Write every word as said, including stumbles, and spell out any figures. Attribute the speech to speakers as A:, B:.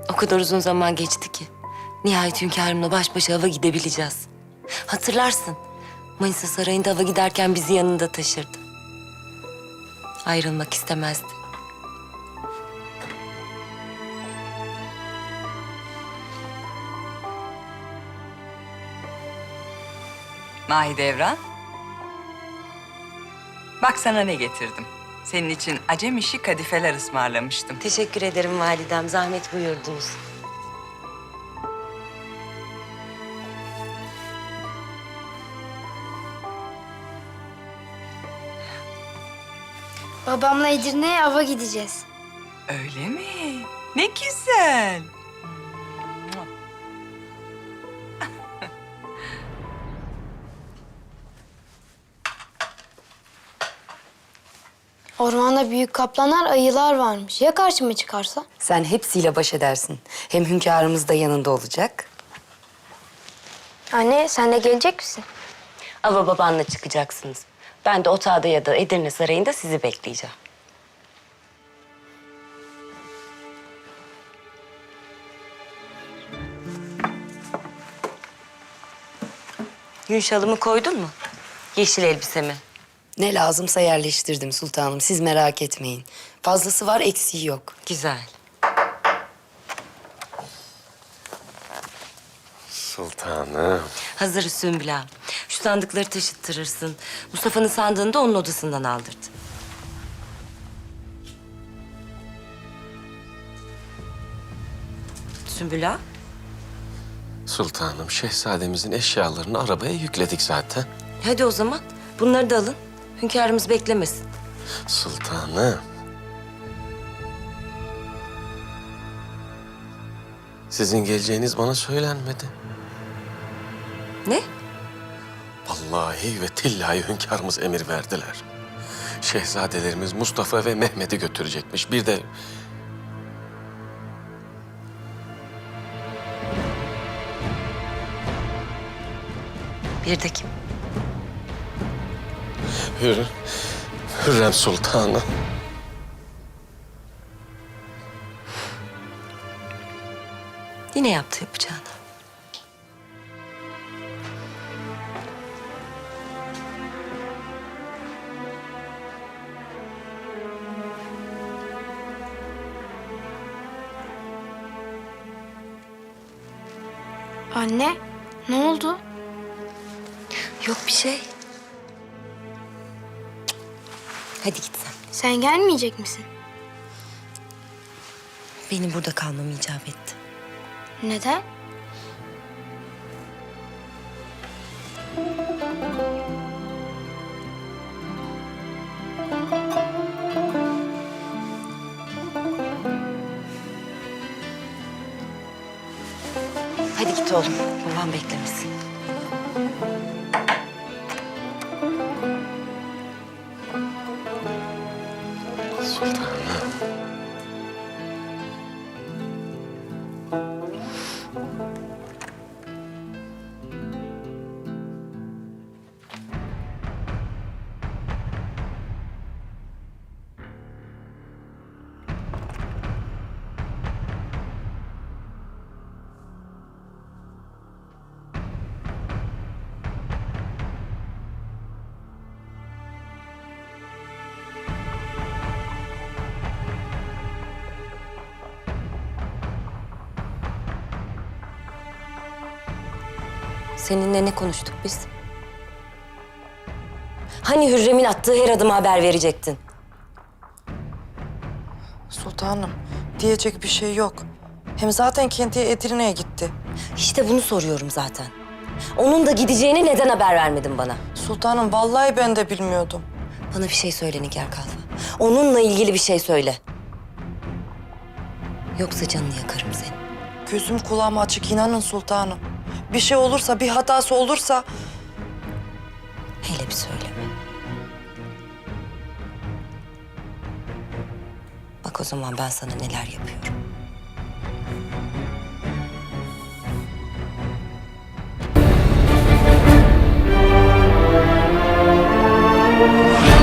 A: O kadar uzun zaman geçti ki. Nihayet hünkârımla baş başa hava gidebileceğiz. Hatırlarsın. Manisa Sarayı'nda hava giderken bizi yanında taşırdı. Ayrılmak istemezdi.
B: Mahidevran. Bak sana ne getirdim. Senin için acem işi kadifeler ısmarlamıştım.
A: Teşekkür ederim validem. Zahmet buyurdunuz.
C: Babamla Edirne'ye ava gideceğiz.
B: Öyle mi? Ne güzel.
C: Ormanda büyük kaplanlar, ayılar varmış. Ya karşıma çıkarsa?
D: Sen hepsiyle baş edersin. Hem hünkârımız da yanında olacak.
C: Anne sen de gelecek misin?
A: Ava babanla çıkacaksınız. Ben de otağda ya da Edirne Sarayı'nda sizi bekleyeceğim. Gün şalımı koydun mu? Yeşil elbisemi.
D: Ne lazımsa yerleştirdim sultanım. Siz merak etmeyin. Fazlası var, eksiği yok.
A: Güzel.
E: Sultanım.
A: Hazır Sümbül ağa. Şu sandıkları taşıttırırsın. Mustafa'nın sandığını da onun odasından aldırdı. Sümbül ağa.
E: Sultanım, şehzademizin eşyalarını arabaya yükledik zaten.
A: Hadi o zaman bunları da alın. Hünkârımız beklemesin.
E: Sultanım. Sizin geleceğiniz bana söylenmedi.
A: Ne?
E: Vallahi ve tillahi hünkârımız emir verdiler. Şehzadelerimiz Mustafa ve Mehmet'i götürecekmiş. Bir de
A: Bir de kim?
E: Hür, Hürrem Sultanım.
A: Yine yaptı yapacağını.
C: Anne ne oldu?
A: Yok bir şey. Hadi git sen.
C: Sen gelmeyecek misin?
A: Benim burada kalmam icap etti.
C: Neden?
A: Hadi git oğlum. Babam beklemesin.
E: Sultanım.
A: Seninle ne konuştuk biz? Hani Hürrem'in attığı her adıma haber verecektin?
F: Sultanım, diyecek bir şey yok. Hem zaten kendiye Edirne'ye gitti.
A: İşte bunu soruyorum zaten. Onun da gideceğini neden haber vermedin bana?
F: Sultanım, vallahi ben de bilmiyordum.
A: Bana bir şey söyle Nigar Kalfa. Onunla ilgili bir şey söyle. Yoksa canını yakarım senin.
F: Gözüm kulağım açık, inanın sultanım. Bir şey olursa, bir hatası olursa...
A: Hele bir söyleme. Bak o zaman ben sana neler yapıyorum.
C: Anne.